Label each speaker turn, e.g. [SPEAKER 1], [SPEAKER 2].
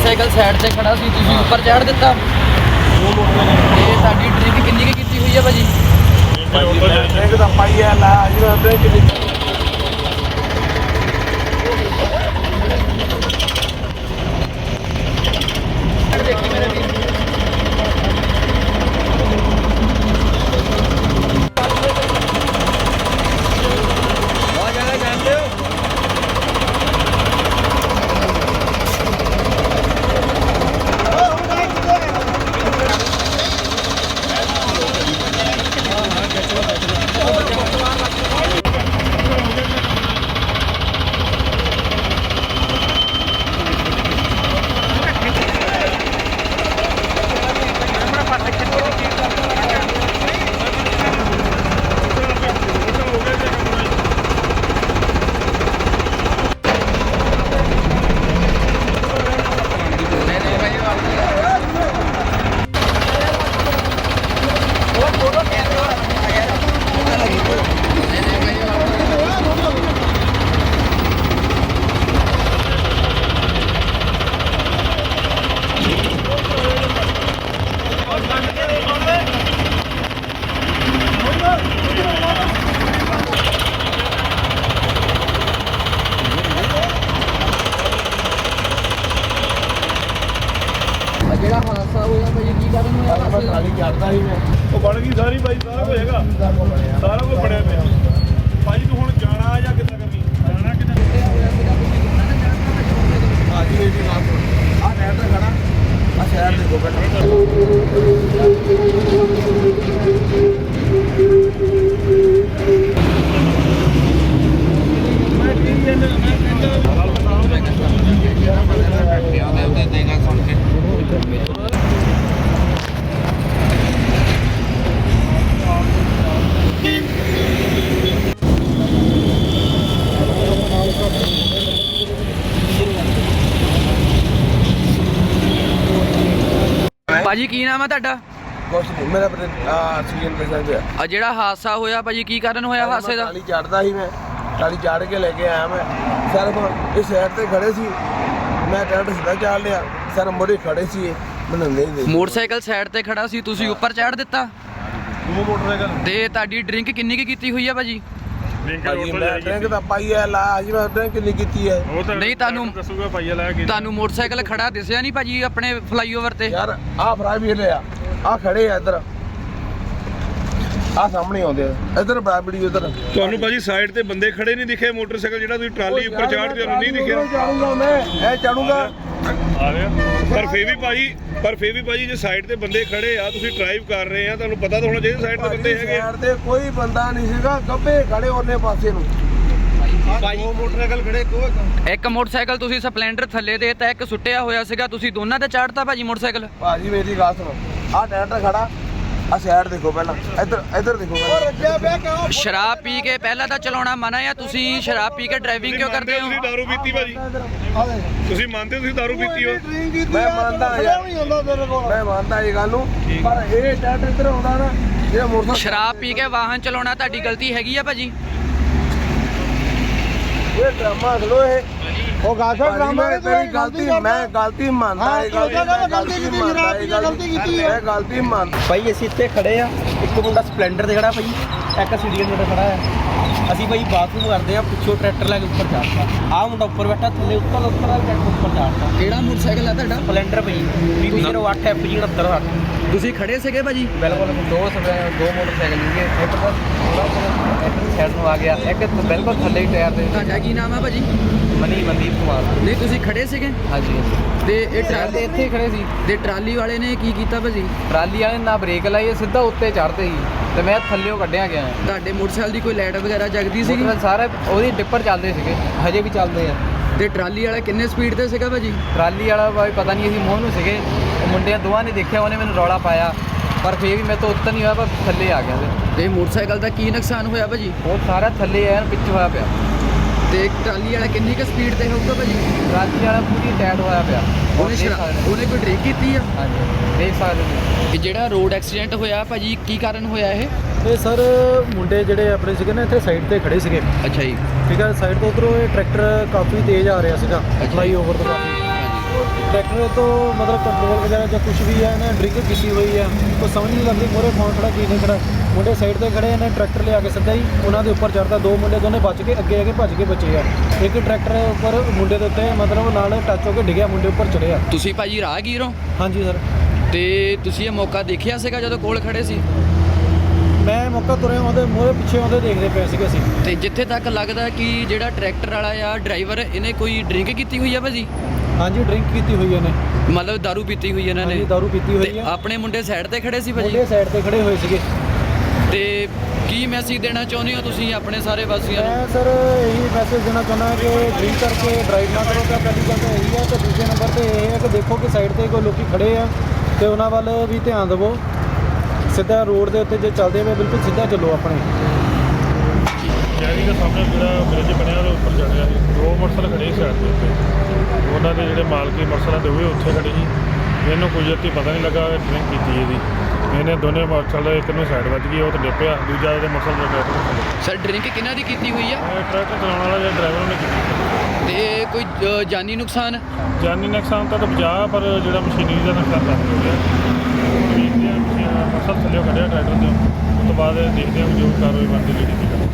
[SPEAKER 1] Motorcycle side से खड़ा सी, तुसीं ऊपर चढ़ दिता। ते तुहाडी ड्रिंक किन्नी की कीती हुई है भाजी?
[SPEAKER 2] ड्रिंक तो पाई है ला जी ड्रिंक चढ़ता ही मैं बन गई सारी भाई सारा कुछ है सारा कुछ बनया पे भाई तू हुण जाना या कितना करनी जाना कितना हां जी जी आ नहर ते खड़ा आ शहर देखो बेटा मैं ठीक है मैं देगा सुन के
[SPEAKER 1] भाजी की नाम है तुहाडा?
[SPEAKER 2] कुछ नहीं मेरा सीजन पे सर
[SPEAKER 1] आ जिहड़ा हादसा होया भाजी की कारण होया हादसे दा?
[SPEAKER 2] टाली चढ़दा ही मैं टाली चढ़ के लेके आया मैं सर इस साइड ते खड़े सी मैं ट्रैक्टर सीधा चाल लिया सर मोड़े खड़े सी मैंने नहीं दे
[SPEAKER 1] मोटरसाइकिल साइड ते खड़ा सी, तुसीं ऊपर चढ़ दिता।
[SPEAKER 2] वो मोटरसाइकिल
[SPEAKER 1] ते तुहाडी ड्रिंक किन्नी की कीती हुई है भाजी?
[SPEAKER 2] ड्रिंक तो पाई है ला जी मैं ड्रिंक नहीं कीती है
[SPEAKER 1] नहीं ਤੁਹਾਨੂੰ मोटरसाइकिल खड़ा दिसया नहीं भाजी अपने फ्लाईओवर ते?
[SPEAKER 2] यार आ फराई भी ले आ खड़े आ इधर आ सामने आਉਂਦੇ इधर बराबरी उधर
[SPEAKER 3] ਤੁਹਾਨੂੰ ਭਾਜੀ ਸਾਈਡ ਤੇ ਬੰਦੇ ਖੜੇ ਨਹੀਂ ਦਿਖੇ ਮੋਟਰਸਾਈਕਲ ਜਿਹੜਾ ਤੁਸੀਂ ਟਰਾਲੀ ਉੱਪਰ ਚਾੜ ਕੇ ਤੁਹਾਨੂੰ ਨਹੀਂ ਦਿਖਿਆ
[SPEAKER 2] ਚੜੂਗਾ ਮੈਂ ਇਹ ਚੜੂਗਾ
[SPEAKER 3] ਆ ਰਿਹਾ ਪਰ ਫੇਰ ਵੀ ਭਾਜੀ ਜੇ ਸਾਈਡ ਤੇ ਬੰਦੇ ਖੜੇ ਆ ਤੁਸੀਂ ਡਰਾਈਵ ਕਰ ਰਹੇ ਆ ਤੁਹਾਨੂੰ ਪਤਾ ਤਾਂ ਹੋਣਾ ਚਾਹੀਦਾ ਸਾਈਡ ਤੇ ਬੰਦੇ ਹੈਗੇ
[SPEAKER 2] ਸਾਈਡ ਤੇ ਕੋਈ ਬੰਦਾ ਨਹੀਂ ਸੀਗਾ ਗੱਬੇ ਖੜੇ ਉਹਨੇ ਪਾਸੇ ਨੂੰ
[SPEAKER 3] ਭਾਈ ਉਹ ਮੋਟਰਸਾਈਕਲ ਖੜੇ
[SPEAKER 1] ਇੱਕ ਮੋਟਰਸਾਈਕਲ ਤੁਸੀਂ ਸਪਲੈਂਡਰ ਥੱਲੇ ਦੇ ਤਾਂ ਇੱਕ ਸੁੱਟਿਆ ਹੋਇਆ ਸੀਗਾ, ਤੁਸੀਂ ਦੋਨਾਂ ਤੇ ਚੜ੍ਹਤਾ ਭਾਜੀ ਮੋਟਰਸਾਈਕਲ?
[SPEAKER 2] ਭਾਜੀ ਮੇਰੀ ਗੱਲ ਸੁਣੋ ਆ ਟਰੈਕਟਰ ਖੜਾ ਆ ਸਾਈਡ ਦੇਖੋ ਪਹਿਲਾਂ ਇੱਧਰ ਦੇਖੋ ਪਹਿਲਾਂ
[SPEAKER 1] ਸ਼ਰਾਬ ਪੀ ਕੇ ਪਹਿਲਾਂ ਤਾਂ ਚਲਾਉਣਾ ਮਨਾ ਆ, ਤੁਸੀਂ ਸ਼ਰਾਬ ਪੀ ਕੇ ਡਰਾਈਵਿੰਗ ਕਿਉਂ ਕਰਦੇ ਹੋ?
[SPEAKER 3] ਤੁਸੀਂ ਦਾਰੂ ਪੀਤੀ ਭਾਜੀ ਤੁਸੀਂ ਮੰਨਦੇ ਹੋ ਤੁਸੀਂ ਦਾਰੂ ਪੀਤੀ ਹੋ?
[SPEAKER 2] ਮੈਂ ਮੰਨਦਾ ਯਾਰ ਮੈਂ ਮੰਨਦਾ ਇਹ ਗੱਲ ਨੂੰ ਪਰ ਇਹ ਟਰੈਕਟਰ ਇੱਧਰ ਆਉਂਦਾ ਨਾ ਜਿਹੜਾ ਮੋਟਰਸਾਈਕਲ
[SPEAKER 1] ਸ਼ਰਾਬ ਪੀ ਕੇ ਵਾਹਨ ਚਲਾਉਣਾ ਤੁਹਾਡੀ ਗਲਤੀ ਹੈਗੀ ਆ ਭਾਜੀ?
[SPEAKER 2] ਇਹ ਡਰਾਮਾ ਖਲੋ ਇਹ ਉਹ ਗਾਸਾ ਡਰਾਮਾ ਤੇਰੀ ਗਲਤੀ ਮੈਂ ਗਲਤੀ ਮੰਨਦਾ ਇਹ ਗਲਤੀ ਕੀਤੀ ਹੈ ਗਲਤੀ ਮੰਨ
[SPEAKER 4] ਭਾਈ ਅਸੀਂ ਇੱਥੇ ਖੜੇ ਆ, ਇੱਕ ਮੁੰਡਾ ਸਪਲੈਂਡਰ ਤੇ ਖੜਾ ਭਾਈ, ਇੱਕ ਸੀਡੀਐਨ ਮੁੰਡਾ ਖੜਾ ਆ। ਅਸੀਂ ਭਾਈ ਬਾਥਰੂਮ ਕਰਦੇ ਆ, ਪਿੱਛੋਂ ਟਰੈਕਟਰ ਲੈ ਕੇ ਉੱਪਰ ਚੜ੍ਹਤਾ, ਆਹ ਮੁੰਡਾ ਉੱਪਰ ਬੈਠਾ, ਥੱਲੇ ਉੱਤਰ ਟਰੈਕਟਰ ਉੱਪਰ ਚੜ੍ਹਤਾ।
[SPEAKER 1] ਕਿਹੜਾ ਮੋਟਰਸਾਈਕਲ ਆ ਤੁਹਾਡਾ?
[SPEAKER 4] ਸਪਲੈਂਡਰ ਭਾਈ BB08 FG 6960।
[SPEAKER 1] ਤੁਸੀਂ ਖੜੇ ਸੀਗੇ ਭਾਜੀ?
[SPEAKER 4] ਬਿਲਕੁਲ ਦੋ ਮੋਟਰਸਾਈਕਲ ਸੀਗੇ, ਇੱਕ ਤਾਂ ਸਾਈਡ ਨੂੰ ਆ ਗਿਆ, ਇੱਕ ਬਿਲਕੁਲ ਥੱਲੇ ਹੀ ਟਾਇਰ ਦੇ।
[SPEAKER 1] ਤੁਹਾਡਾ ਕੀ ਨਾਮ ਆ ਭਾਜੀ?
[SPEAKER 4] ਮਨਦੀਪ ਕੁਮਾਰ।
[SPEAKER 1] ਨਹੀਂ ਤੁਸੀਂ ਖੜੇ ਸੀਗੇ?
[SPEAKER 4] ਹਾਂਜੀ
[SPEAKER 1] ਤੇ ਇਹ ਟਰਾਲੀ
[SPEAKER 4] ਇੱਥੇ ਹੀ ਖੜੇ ਸੀ
[SPEAKER 1] ਤੇ ਟਰਾਲੀ ਵਾਲੇ ਨੇ ਕੀ ਕੀਤਾ ਭਾਜੀ?
[SPEAKER 4] ਟਰਾਲੀ ਵਾਲੇ ਨਾ ਬ੍ਰੇਕ ਲਾਈ, ਸਿੱਧਾ ਉੱਤੇ ਚੜ੍ਹਦੇ ਸੀ ਤੇ ਮੈਂ ਥੱਲੇੋਂ ਕੱਢਿਆ ਗਿਆ।
[SPEAKER 1] ਤੁਹਾਡੇ ਮੋਟਰਸਾਈਕਲ ਦੀ ਕੋਈ ਲਾਈਟ ਵਗੈਰਾ ਜਗਦੀ ਸੀਗੀ?
[SPEAKER 4] ਮੋਟਰਸਾਈਕਲ ਸਾਰੇ ਉਹਦੀ ਡਿੱਪਰ ਚੱਲਦੇ ਸੀਗੇ, ਹਜੇ ਵੀ ਚੱਲਦੇ ਆ।
[SPEAKER 1] ਤੇ ਟਰਾਲੀ ਵਾਲਾ ਕਿੰਨੇ ਸਪੀਡ ਤੇ ਸੀਗਾ ਭਾਜੀ?
[SPEAKER 4] ਟਰਾਲੀ ਵਾਲਾ ਭਾਈ ਪਤਾ ਨਹੀਂ, ਅਸੀਂ ਮੋਹ ਨੂੰ ਸੀਗੇ, ਉਹ ਮੁੰਡਿਆਂ ਦੋਵਾਂ ਨੇ ਦੇਖਿਆ, ਉਹਨੇ ਮੈਨੂੰ ਰੌਲਾ ਪਾਇਆ ਪਰ ਫੇਰ ਵੀ ਮੈਂ ਤਾਂ ਉੱਤਰ ਨਹੀਂ ਹੋਇਆ, ਪਰ ਥੱਲੇ ਆ ਗਿਆ।
[SPEAKER 1] ਤੇ ਮੋਟਰਸਾਈਕਲ ਦਾ ਕੀ ਨੁਕਸਾਨ ਹੋਇਆ ਭਾਜੀ?
[SPEAKER 4] ਉਹ ਸਾਰਾ ਥੱਲੇ ਆਇਆ, ਪਿੱਛੇ ਹੋਇਆ ਪਿਆ।
[SPEAKER 1] ਤੇ ਟਰਾਲੀ ਵਾਲਾ ਕਿੰਨੀ ਕੁ ਸਪੀਡ ਤੇ ਹੋਊਗਾ ਭਾਜੀ?
[SPEAKER 4] ਟਰਾਲੀ ਵਾਲਾ ਪੂਰੀ ਟਾਇਟ ਹੋਇਆ ਪਿਆ।
[SPEAKER 1] ਉਹਨੇ ਕੋਈ ਡਰਿੰਕ ਕੀਤੀ ਆ?
[SPEAKER 4] ਹਾਂਜੀ ਦੇਖ ਸਕਦੇ ਹੋ।
[SPEAKER 1] ਇਹ ਜਿਹੜਾ ਰੋਡ ਐਕਸੀਡੈਂਟ ਹੋਇਆ ਭਾਜੀ ਕੀ ਕਾਰਨ ਹੋਇਆ ਇਹ?
[SPEAKER 5] ਇਹ ਸਰ ਮੁੰਡੇ ਜਿਹੜੇ ਆਪਣੇ ਸੀਗੇ ਨਾ ਇੱਥੇ ਸਾਈਡ ਤੇ ਖੜੇ ਸੀਗੇ,
[SPEAKER 1] ਅੱਛਾ ਜੀ।
[SPEAKER 5] ਠੀਕ ਹੈ, ਸਾਈਡ ਤੋਂ ਉੱਧਰੋਂ ਇਹ ਟਰੈਕਟਰ ਕਾਫੀ ਤੇਜ਼ ਆ ਰਿਹਾ ਸੀਗਾ, ਫਲਾਈਓਵਰ ਤੋਂ ਕਾਫੀ, ਟਰੈਕਟਰ ਤੋਂ ਮਤਲਬ ਕੰਟਰੋਲ ਵਗੈਰਾ ਜਾਂ ਕੁਝ ਵੀ ਹੈ ਨਾ ਡਰਿੰਕ ਕੀਤੀ ਹੋਈ ਹੈ ਉਹ ਸਮਝ ਨਹੀਂ ਲੱਗਦੀ ਮੋਰੇ ਕੌਣ ਖੜਾ ਕੀ ਨਹੀਂ ਖੜਾ। ਮੁੰਡੇ ਸਾਈਡ ਤੇ ਖੜੇ ਨੇ ਟਰੈਕਟਰ ਲਿਆ ਕੇ ਸਿੱਧਾ ਹੀ ਉਹਨਾਂ ਦੇ ਉੱਪਰ ਚੜ੍ਹਦਾ। ਦੋ ਮੁੰਡੇ ਦੋਨੇ ਬਚ ਕੇ ਅੱਗੇ ਆ ਕੇ ਭੱਜ ਕੇ ਬਚੇ ਆ। ਇੱਕ ਟਰੈਕਟਰ ਉੱਪਰ ਮੁੰਡੇ ਦੇ ਉੱਤੇ ਮਤਲਬ ਨਾਲ ਟੱਚ ਹੋ ਕੇ ਡਿੱਗਿਆ, ਮੁੰਡੇ ਉੱਪਰ ਚੜਿਆ।
[SPEAKER 1] ਤੁਸੀਂ ਭਾਜੀ ਰਾਹਗੀਰ ਹੋ
[SPEAKER 5] ਹਾਂਜੀ ਸਰ।
[SPEAKER 1] ਤੇ ਤੁਸੀਂ ਇਹ ਮੌਕਾ ਦੇਖਿਆ ਸੀਗਾ ਜਦੋਂ ਕੋਲ ਖੜੇ ਸੀ?
[SPEAKER 5] ਮੈਂ ਮੌਕਾ ਤੁਰਿਆ ਉਹਦੇ ਮੂਹਰੇ ਪਿੱਛੇ ਉਹਦੇ ਦੇਖਦੇ ਪਏ ਸੀਗੇ ਅਸੀਂ।
[SPEAKER 1] ਤੇ ਜਿੱਥੇ ਤੱਕ ਲੱਗਦਾ ਕਿ ਜਿਹੜਾ ਟਰੈਕਟਰ ਵਾਲਾ ਆ ਡਰਾਈਵਰ ਇਹਨੇ ਕੋਈ ਡਰਿੰਕ ਕੀਤੀ ਹੋਈ ਆ ਭਾਜੀ?
[SPEAKER 5] ਹਾਂਜੀ ਡਰਿੰਕ ਕੀਤੀ ਹੋਈ ਇਹਨੇ,
[SPEAKER 1] ਮਤਲਬ ਦਾਰੂ ਪੀਤੀ ਹੋਈ ਇਹਨਾਂ ਨੇ?
[SPEAKER 5] ਹਾਂਜੀ ਦਾਰੂ ਪੀਤੀ ਹੋਈ
[SPEAKER 1] ਤੇ
[SPEAKER 5] ਹੈ।
[SPEAKER 1] ਆਪਣੇ ਮੁੰਡੇ ਸਾਈਡ ਤੇ ਖੜੇ ਸੀ ਭਾਜੀ?
[SPEAKER 5] ਮੁੰਡੇ ਸਾਈਡ ਤੇ ਖੜੇ ਹੋਏ ਸੀਗੇ।
[SPEAKER 1] ਤੇ ਕੀ ਮੈਸੇਜ ਦੇਣਾ ਚਾਹੁੰਦੇ ਹੋ ਤੁਸੀਂ ਆਪਣੇ ਸਾਰੇ ਵਾਸੀਆਂ ਨੂੰ?
[SPEAKER 5] ਮੈਂ ਸਰ ਇਹੀ ਮੈਸੇਜ ਦੇਣਾ ਚਾਹੁੰਦਾ ਕਿ ਡਰਿੰਕ ਕਰਕੇ ਡਰਾਈਵ ਨਾ ਕਰੋ। ਤਾਂ ਪਹਿਲੀ ਗੱਲ ਤਾਂ ਇਹੀ ਹੈ। ਤੇ ਦੂਜੇ ਨੰਬਰ ਤੇ ਇਹ ਹੈ ਕਿ ਦੇਖੋ ਕਿ ਸਾਈਡ ਤੇ ਕੋਈ ਲੋਕੀ ਖੜੇ ਆ ਤੇ ਉਹਨਾਂ ਵੱਲ ਵੀ ਧਿਆਨ ਦਿਵੋ। ਸਿੱਧਾ ਰੋਡ ਦੇ ਉੱਤੇ ਜੇ ਚੱਲਦੇ ਹੋਏ ਬਿਲਕੁਲ ਸਿੱਧਾ ਚੱਲੋ ਆਪਣੇ।
[SPEAKER 6] ਸ਼ਹਿਰੀ ਦੇ ਸਾਹਮਣੇ ਜਿਹੜਾ ਬ੍ਰਿਜ ਬਣਿਆ ਉਹਦੇ ਉੱਪਰ ਚੜ੍ਹ ਗਿਆ ਸੀ। ਦੋ ਮੋਟਰਸਾਈਕਲ ਖੜੇ ਸੀ ਸਾਈਡ ਦੇ ਉੱਤੇ। ਉਹਨਾਂ ਦੇ ਜਿਹੜੇ ਮਾਲਕੀ ਮੋਟਰਸਾਈਕਲ ਦੇ ਉਹ ਵੀ ਉੱਥੇ ਖੜੇ ਸੀ। ਇਹਨੂੰ ਕੋਈ ਜੱਤੀ ਪਤਾ ਨਹੀਂ ਲੱਗਾ ਡਰਿੰਕ ਕੀਤੀ ਇਹਦੀ। ਇਹਨੇ ਦੋਨੇ ਮੋਟਰਸਾਈਕਲ ਇੱਕ ਨੂੰ ਸਾਈਡ ਵੱਜ ਗਈ, ਉਹ ਤੇ ਡਿੱਪਿਆ, ਦੂਜਾ ਉਹਦੇ ਮੋਟਰਸਾਈਕਲ ਦੇ ਟਰੈਕਟਰ
[SPEAKER 1] ਸਰ ਡਰਿੰਕ ਕਿਹਨਾਂ ਦੀ ਕੀਤੀ ਹੋਈ ਆ?
[SPEAKER 6] ਟਰੈਕਟਰ ਚਲਾਉਣ ਵਾਲਾ ਜਿਹੜਾ ਡਰਾਈਵਰ ਉਹਨੇ ਕੀਤੀ।
[SPEAKER 1] ਤੇ ਕੋਈ ਜਾਨੀ ਨੁਕਸਾਨ?
[SPEAKER 6] ਜਾਨੀ ਨੁਕਸਾਨ ਤਾਂ ਬਚਾ, ਪਰ ਜਿਹੜਾ ਮਸ਼ੀਨਰੀ ਦਾ ਨੁਕਸਾਨ ਤਾਂ ਹੋ ਗਿਆ। ਮੋਟਰਸਾਈਕਲ ਥੱਲੇ ਕੱਢਿਆ ਟਰੈਕਟਰ ਤੋਂ, ਉਸ ਤੋਂ ਬਾਅਦ ਦੇਖਦੇ ਹਾਂ ਜੋ ਕਾਰਵਾਈ ਬਣਦੀ ਜਿਹੜੀ